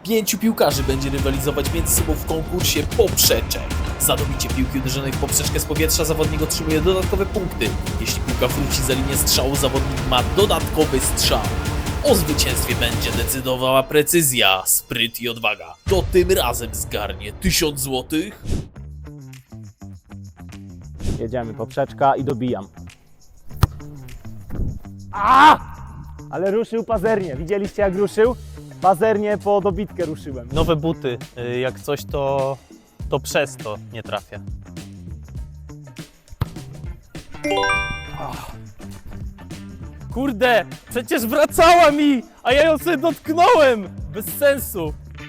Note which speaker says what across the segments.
Speaker 1: 5 piłkarzy będzie rywalizować między sobą w konkursie poprzeczek. Za dobicie piłki uderzonej w poprzeczkę z powietrza zawodnik otrzymuje dodatkowe punkty. Jeśli piłka wróci za linię strzału, zawodnik ma dodatkowy strzał. O zwycięstwie będzie decydowała precyzja, spryt i odwaga. To tym razem zgarnie 1000 złotych.
Speaker 2: Jedziemy, poprzeczka i dobijam. A! Ale ruszył pazernie. Widzieliście jak ruszył? Pazernie po dobitkę ruszyłem.
Speaker 3: Nowe buty, jak coś to przez to nie trafia. Kurde, przecież wracała mi, a ja ją sobie dotknąłem! Bez sensu.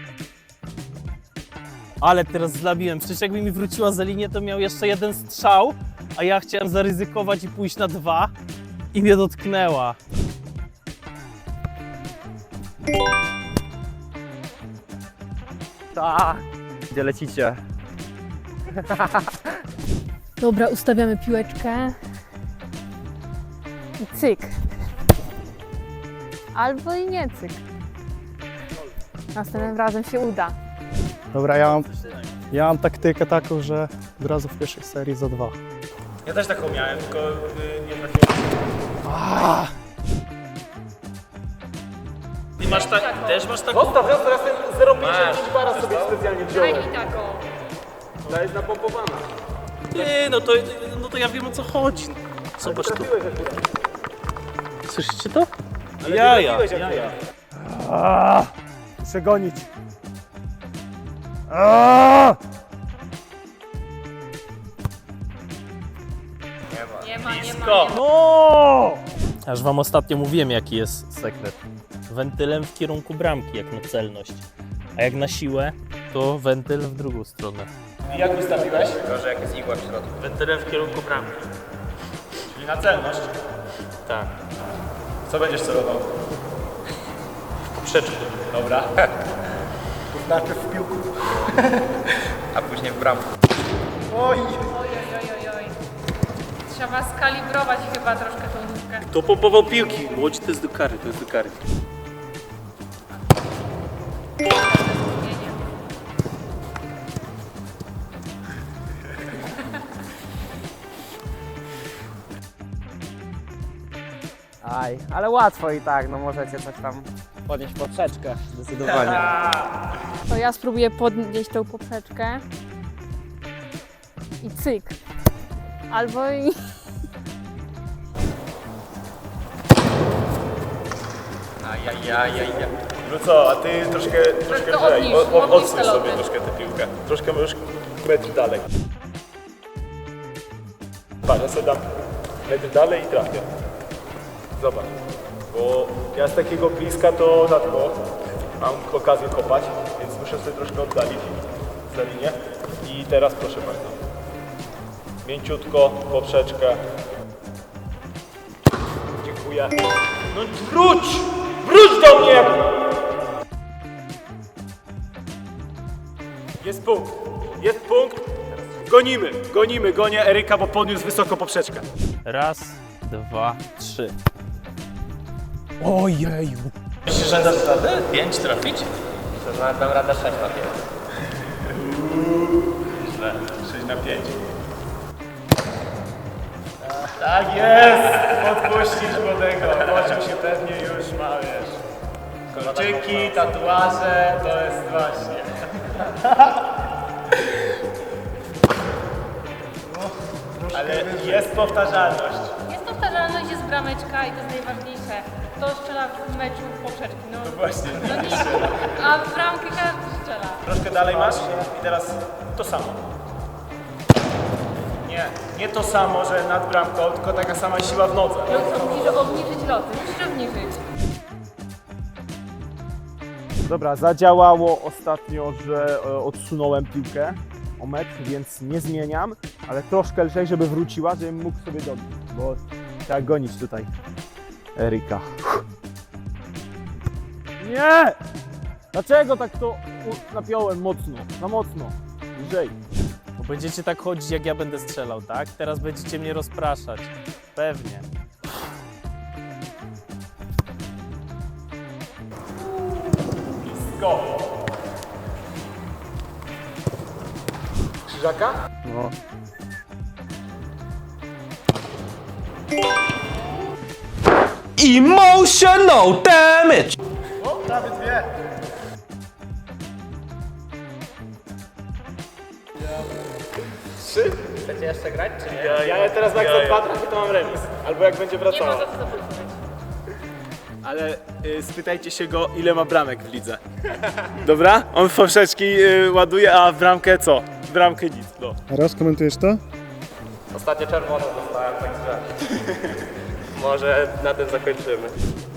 Speaker 3: Ale teraz zlabiłem, przecież jakby mi wróciła za linię, to miał jeszcze jeden strzał, a ja chciałem zaryzykować i pójść na 2 i mnie dotknęła.
Speaker 2: Tak. Gdzie lecicie?
Speaker 4: Dobra, ustawiamy piłeczkę. I cyk. Albo i nie cyk. Następnym razem się uda.
Speaker 5: Dobra, ja mam taktykę taką, że od razu w pierwszej serii za 2.
Speaker 3: Ja też taką miałem, tylko nie trafiłem. Ty masz też masz taką?
Speaker 2: Zostaw, ja teraz ten 0,5 bara sobie specjalnie wziąłem.
Speaker 4: Daj mi taką.
Speaker 2: Ta jest napompowana.
Speaker 3: Ty, no to ja wiem o co chodzi. Zobacz tu. Słyszycie to? Jaja.
Speaker 5: Muszę gonić.
Speaker 4: Nie ma.
Speaker 3: No! Aż wam ostatnio mówiłem, jaki jest sekret. Wentylem w kierunku bramki, jak na celność. A jak na siłę, to wentyl w drugą stronę.
Speaker 2: I jak wystawiłeś?
Speaker 6: Tylko, że jak jest igła w środku.
Speaker 3: Wentylem w kierunku bramki.
Speaker 2: Czyli na celność.
Speaker 3: Tak.
Speaker 2: Co będziesz celował?
Speaker 3: Poprzeczkę.
Speaker 2: Dobra. Najpierw w piłku.
Speaker 6: A później w bramku.
Speaker 2: Oj!
Speaker 4: Trzeba skalibrować chyba troszkę tą nóżkę.
Speaker 3: To pompował piłki. Młodzi to jest do kary, to jest do kary.
Speaker 2: Aj, ale łatwo i tak, no możecie coś tam podnieść poprzeczkę, zdecydowanie.
Speaker 4: To ja spróbuję podnieść tą poprzeczkę. I cyk. Albo i...
Speaker 6: Ajajajajaj.
Speaker 7: No co, a ty troszkę
Speaker 4: To
Speaker 7: wyżej,
Speaker 4: odnieś
Speaker 7: odsuń
Speaker 4: te
Speaker 7: sobie
Speaker 4: loty.
Speaker 7: troszkę tę piłkę. Troszkę możesz metr dalej. Patrz, ja sobie dam metr dalej i trafię. Zobacz, bo ja z takiego bliska to rzadko mam okazję kopać, więc muszę sobie troszkę oddalić za linię. I teraz proszę bardzo. Mięciutko, poprzeczkę. Dziękuję. No wróć! Wróć do mnie! Jest punkt. Jest punkt. Gonię Eryka, bo podniósł wysoko poprzeczkę.
Speaker 3: Raz, 2, 3.
Speaker 2: Ojeju.
Speaker 3: Myślisz, że dasz radę? 5 trafić?
Speaker 6: To nawet dam radę 6 na 5.
Speaker 7: Źle. 6 na 5. Tak jest! Podpuścisz młodego. Poczuł się pewnie już ma, wiesz. Kolczyki, tatuaże, to jest właśnie. Ale jest powtarzalność.
Speaker 4: Jest powtarzalność, jest brameczka i to jest najważniejsze. To strzela w meczu poprzeczki. No
Speaker 7: Właśnie.
Speaker 4: no nie, a w bramkę każdy strzela.
Speaker 7: Troszkę dalej masz i teraz to samo. Nie to samo, że nad bramką, tylko taka sama siła w nodze.
Speaker 4: No co, musisz obniżyć loty, musisz obniżyć.
Speaker 2: Dobra, zadziałało ostatnio, że odsunąłem piłkę o metr, więc nie zmieniam, ale troszkę lżej, żeby wróciła, żebym mógł sobie dobić, bo trzeba gonić tutaj Eryka. Nie! Dlaczego tak to napiąłem mocno? Za mocno. Lżej.
Speaker 3: Bo będziecie tak chodzić, jak ja będę strzelał, tak? Teraz będziecie mnie rozpraszać. Pewnie.
Speaker 7: Go!
Speaker 2: Żaka?
Speaker 5: No.
Speaker 8: Emotional damage!
Speaker 2: O, prawie dwie. Trzy?
Speaker 6: Chcecie jeszcze grać, czy nie?
Speaker 2: Ja teraz jak za dwa trafię, to mam remis. Albo jak będzie
Speaker 4: Nie ma
Speaker 2: wracała.
Speaker 4: za co zapomnieć.
Speaker 2: Ale spytajcie się go, ile ma bramek w lidze. Dobra? On w poprzeczki ładuje, a w bramkę co? W bramkę nic. No.
Speaker 5: Raz komentujesz to?
Speaker 6: Ostatnio czerwoną dostałem, także może na tym zakończymy.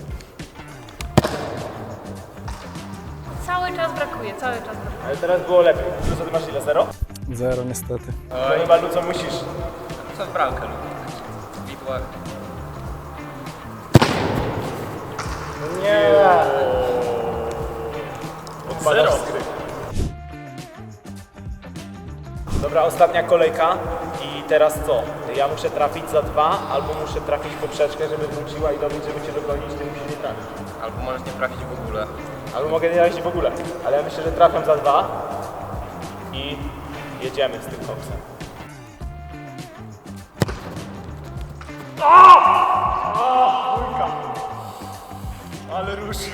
Speaker 4: Cały czas brakuje, cały czas brakuje.
Speaker 2: Ale teraz było lepiej. Luco, ty masz ile? 0?
Speaker 5: 0 niestety.
Speaker 2: To chyba Luco musisz.
Speaker 6: Co w bramkę lubię? Widła.
Speaker 2: Nie. Odpadasz z gry. Dobra, ostatnia kolejka i teraz co? Ja muszę trafić za 2, albo muszę trafić poprzeczkę, żeby wróciła i dobić, żeby cię dogonić, ty musisz nie trafić.
Speaker 6: Albo możesz nie trafić w ogóle.
Speaker 2: Albo mogę nie trafić w ogóle, ale ja myślę, że trafiam za 2 i jedziemy z tym koksem. Ale ruszył.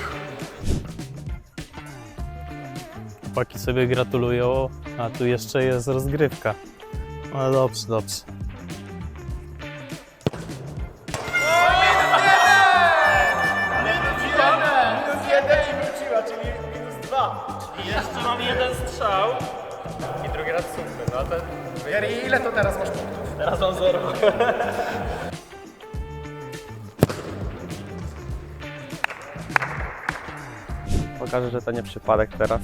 Speaker 3: Chłopaki sobie gratulują, a tu jeszcze jest rozgrywka. No dobrze, dobrze.
Speaker 2: Minus 1 i wróciła, czyli minus 2.
Speaker 3: Jeszcze mam jeden strzał.
Speaker 6: I drugi raz super, no to... Jari, ile to teraz masz punktów?
Speaker 3: Teraz mam 0.
Speaker 8: Pokażę, że to nie przypadek teraz.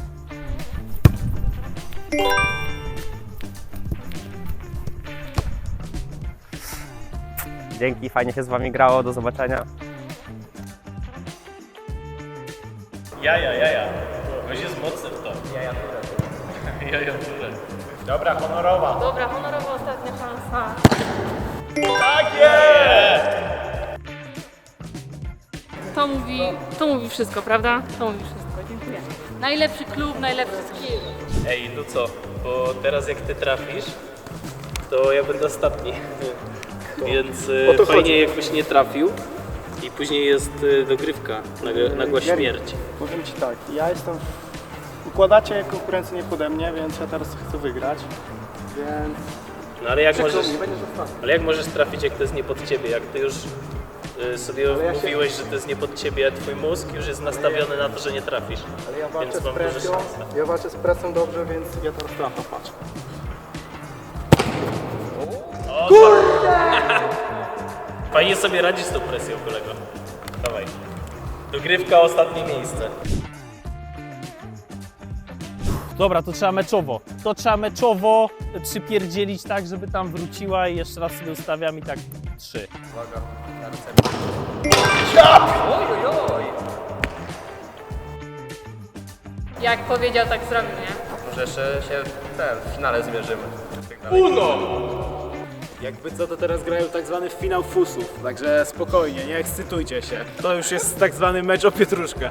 Speaker 8: Dzięki, fajnie się z wami grało, do zobaczenia.
Speaker 3: Jaja. Ktoś jest mocny w to. Jaja turę.
Speaker 2: Dobra, honorowa.
Speaker 4: Dobra, honorowa ostatnia szansa.
Speaker 2: Tak jest!
Speaker 4: To mówi wszystko, prawda? To mówi wszystko, dziękuję. Najlepszy klub, najlepszy skill.
Speaker 3: Ej, Luco, bo teraz jak ty trafisz, to ja będę ostatni. Więc fajnie jakbyś nie trafił i później jest dogrywka, nagła śmierć.
Speaker 5: Powiem Ci tak, ja jestem... Układacie konkurencję nie pode mnie, więc ja teraz chcę wygrać. Więc...
Speaker 3: No ale jak
Speaker 5: Przykro
Speaker 3: możesz,
Speaker 5: mi, będziesz ostatni.
Speaker 3: ale jak możesz trafić, jak to jest nie pod ciebie? Jak ty już sobie mówiłeś, że to jest nie pod ciebie, twój mózg już jest nastawiony na to, że nie trafisz.
Speaker 5: Ale ja walczę
Speaker 3: Więc
Speaker 5: z
Speaker 3: mam duże
Speaker 5: presją,
Speaker 3: szanse.
Speaker 5: ja walczę z presją dobrze, więc ja teraz trafię, patrz.
Speaker 3: Fajnie sobie radzisz z tą presją, kolego. Dawaj. Dogrywka, ostatnie miejsce. Dobra, to trzeba meczowo. To trzeba meczowo przypierdzielić tak, żeby tam wróciła i jeszcze raz sobie ustawiam i tak 3.
Speaker 6: Uwaga, na recepcję. Oj!
Speaker 4: Jak powiedział, tak zrobił, nie?
Speaker 6: Może jeszcze się w finale zmierzymy.
Speaker 2: Jakby co, to teraz grają tak zwany finał fusów, także spokojnie, nie ekscytujcie się. To już jest tak zwany mecz o pietruszkę.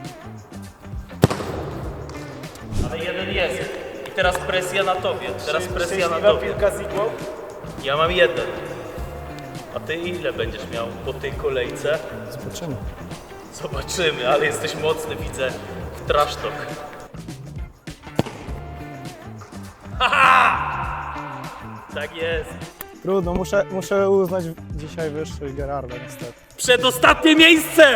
Speaker 3: Ale jeden jest. I teraz presja na tobie. Teraz presja na
Speaker 2: Szczęśliwa
Speaker 3: tobie.
Speaker 2: piłka z igłą.
Speaker 3: Ja mam jeden. A ty ile będziesz miał po tej kolejce?
Speaker 5: Zobaczymy.
Speaker 3: Zobaczymy, ale jesteś mocny, widzę, w trash talk. Haha! Tak jest.
Speaker 5: Trudno, muszę uznać dzisiaj wyższy Gerarda niestety.
Speaker 3: Przedostatnie miejsce!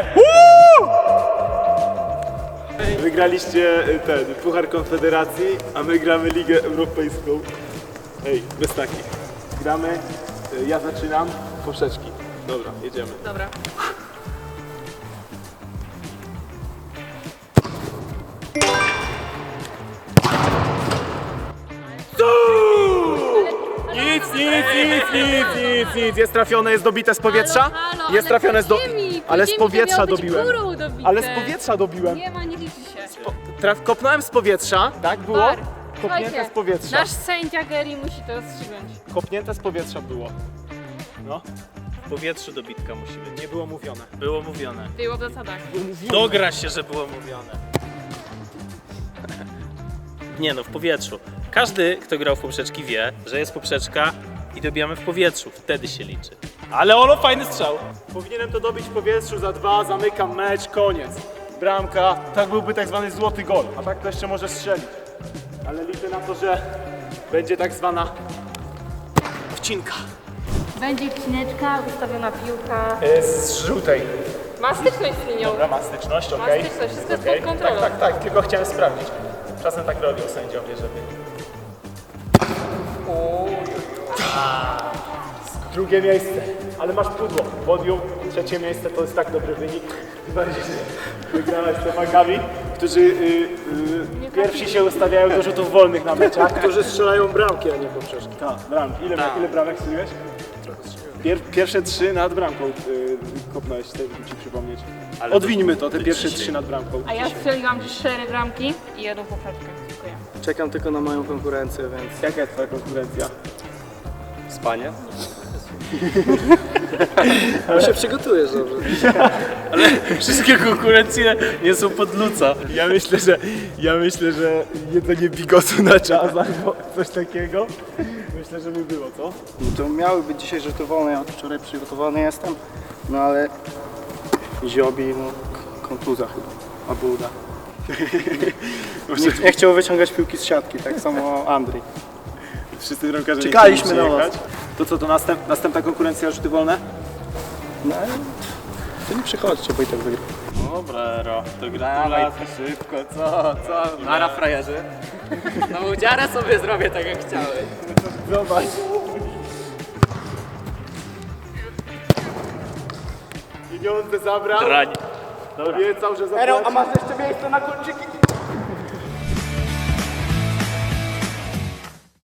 Speaker 2: Wygraliście ten Puchar Konfederacji, a my gramy Ligę Europejską. Ej, bez takich. Gramy, ja zaczynam, poprzeczki. Dobra, jedziemy.
Speaker 4: Dobra.
Speaker 2: Nic, jest trafione, jest dobite z powietrza. Jest trafione z ale z powietrza dobiłem. Ale z powietrza dobiłem.
Speaker 4: Nie ma, nie liczy się.
Speaker 2: Kopnąłem z powietrza, tak było?
Speaker 4: Bar.
Speaker 2: Kopnięte
Speaker 4: Słuchajcie,
Speaker 2: z powietrza.
Speaker 4: nasz sędzia Gary musi to rozstrzygnąć.
Speaker 2: Kopnięte z powietrza było. No,
Speaker 3: W powietrzu dobitka musi być.
Speaker 2: nie było mówione.
Speaker 3: Było mówione.
Speaker 4: Było w zasadach.
Speaker 3: Dogra się, że było mówione. Nie no, w powietrzu. Każdy, kto grał w poprzeczki wie, że jest poprzeczka i dobijamy w powietrzu. Wtedy się liczy. Ale Olo, fajny strzał.
Speaker 7: Powinienem to dobić w powietrzu za 2, zamykam mecz, koniec. Bramka, tak byłby tak zwany złoty gol, a tak to jeszcze może strzelić. Ale liczę na to, że będzie tak zwana wcinka.
Speaker 4: Będzie wcineczka, ustawiona piłka.
Speaker 7: Z żółtej.
Speaker 4: Ma styczność z linią.
Speaker 7: Dobra, ma styczność,
Speaker 4: Ma
Speaker 7: okej.
Speaker 4: styczność, wszystko jest
Speaker 7: Okej.
Speaker 4: pod kontrolą.
Speaker 7: Tak, tylko chciałem sprawdzić. Czasem tak robią sędziowie, żeby... Drugie miejsce, ale masz pudło. Podium, trzecie miejsce to jest tak dobry wynik. Tym bardziej, że wygrałeś z temagami, którzy pierwsi się ustawiają do rzutów wolnych na meczach.
Speaker 5: Którzy strzelają bramki, a nie poprzeczki.
Speaker 7: Tak, bramki. Ile bramek strzeliłeś? Pierwsze 3 nad bramką kopnąłeś, chcę ci przypomnieć. Odwińmy to, te pierwsze 3 nad bramką.
Speaker 4: A ja strzeliłam 4 bramki i 1 poprzeczkę. Dziękuję.
Speaker 5: Czekam tylko na moją konkurencję, więc...
Speaker 7: Jaka jest twoja konkurencja?
Speaker 8: Spanie?
Speaker 5: No się przygotujesz dobrze.
Speaker 3: Wszystkie konkurencje nie są pod luca.
Speaker 7: Ja myślę, że jedzenie bigosu na czas albo coś takiego. Myślę, że by było, co?
Speaker 5: No to miały być dzisiaj rzuty wolne, ja od wczoraj przygotowany jestem. No ale... Ziobi, no... Kontuzja chyba. Albo uda. Nie chciał wyciągać piłki z siatki, tak samo Andrzej.
Speaker 7: Wszyscy bramkarze
Speaker 5: Czekaliśmy
Speaker 7: nie chcieli
Speaker 5: na was.
Speaker 7: przyjechać. To co, to następna konkurencja rzuty wolne?
Speaker 5: No ale... To nie przychodźcie, bo i tak wygra.
Speaker 3: Dobra, Ero, to gratulacje.
Speaker 7: Szybko, co?
Speaker 3: Nara frajerzy. No udziarę sobie zrobię tak jak chciałeś.
Speaker 7: Zobacz. Pieniądze zabrał.
Speaker 3: Drań.
Speaker 7: Obiecał, że zapłaci.
Speaker 5: masz jeszcze miejsce na kolczyki?